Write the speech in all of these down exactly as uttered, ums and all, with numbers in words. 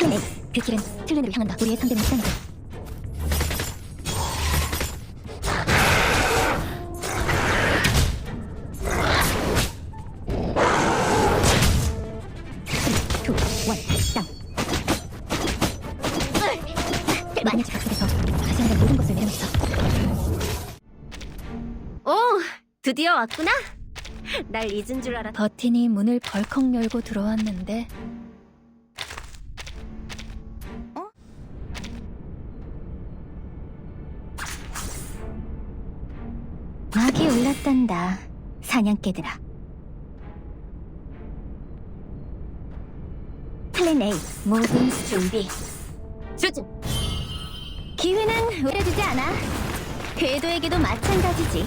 플랜 A. 그 길은 틀렌으로 향한다. 우리의 상대는 시간이다. 투, 원, 다운. 마녀의 집합 속에서 다시 한번 모든 것을 내려놓자. 오, 드디어 왔구나. 날 잊은 줄 알았. 버틴이 문을 벌컥 열고 들어왔는데 막이 올랐단다. 사냥개들아. 플랜 A. 모든 준비. 조준. 기회는 오래주지 않아. 궤도에게도 마찬가지지.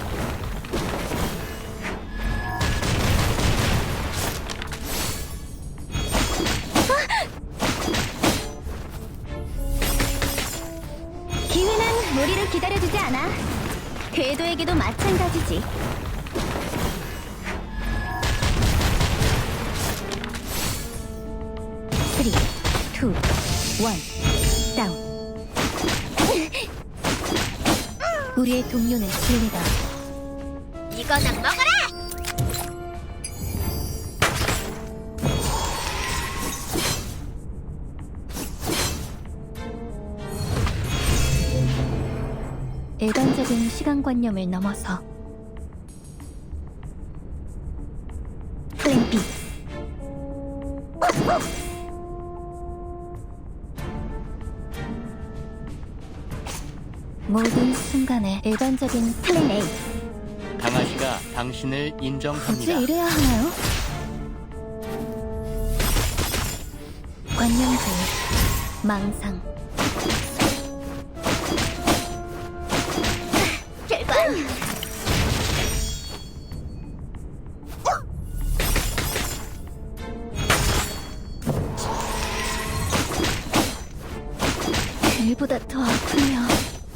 기회는 우리를 기다려주지 않아. 궤도에게도 마찬가지지. 쓰리, 투, 원, 다운. 우리의 동료는 진리다. 이거나 먹어라. 일반적인 시간관념을 넘어서 플랜 B. 모든 순간에 일반적인 플랜 A. 강아지가 당신을 인정합니다. 굳이 이래야 하나요? 관념주의, 망상. 결관. 일보다 더 아프며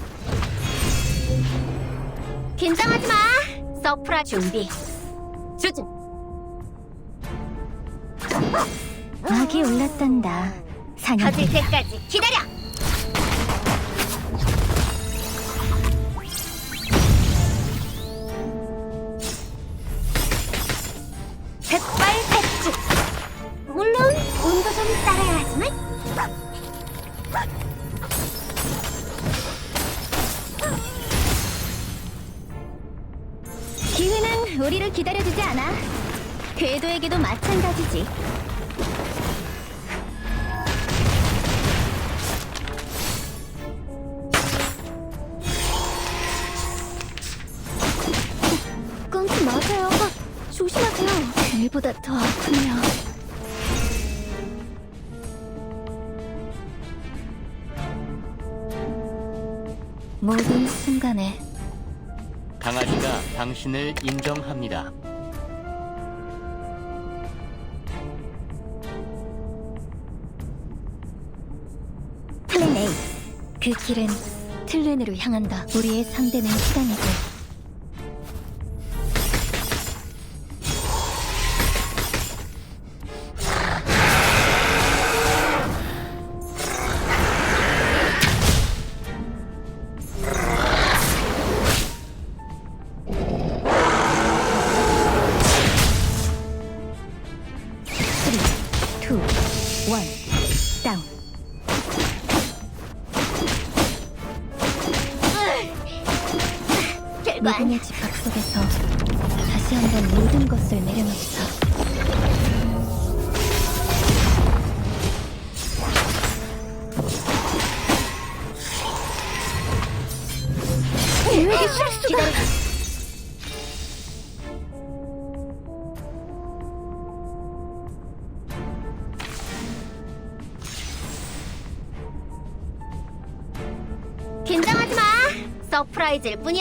긴장하지 마. 서프라 준비. 조준. 막이 올랐단다. 사냥. 터질 때까지 기다려. 백발백중. 물론 운도 좀 따라야 하지만. 기회는 우리를 기다려주지 않아. 궤도에게도 마찬가지지. 끊지 마세요. 조심하세요. 일보다 더 아프며 모든 순간에 강아지가 당신을 인정합니다. 플랜 A. 그 길은 틀렌으로 향한다. 우리의 상대는 시간이고 쓰리, 투, 원, 다운. 결관. 미궁의 집합 속에서 다시 한번 모든 것을 내려놓자. 계획의 실수다. 긴장하지 마. 서프라이즈일 뿐이야.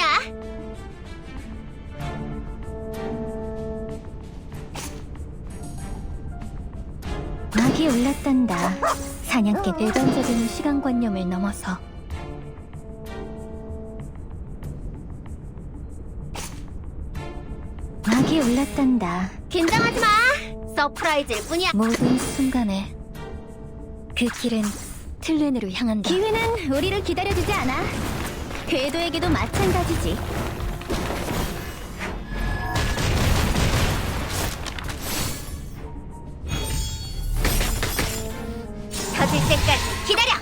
막이 올랐단다. 사냥개. 일반적인 시간관념을 넘어서 막이 올랐단다. 긴장하지 마. 서프라이즈일 뿐이야. 모든 순간에 그 길은 틀렌으로 향한다. 기회는 우리를 기다려주지 않아. 궤도에게도 마찬가지지. 터질 때까지 기다려!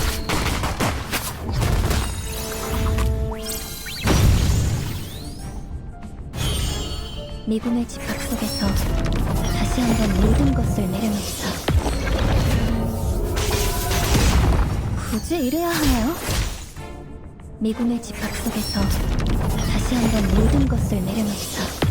미궁의 집합 속에서 다시 한번 모든 것을 내려놓자. 굳이 이래야 하나요? 미궁의 집합 속에서 다시 한번 모든 것을 내려놓자.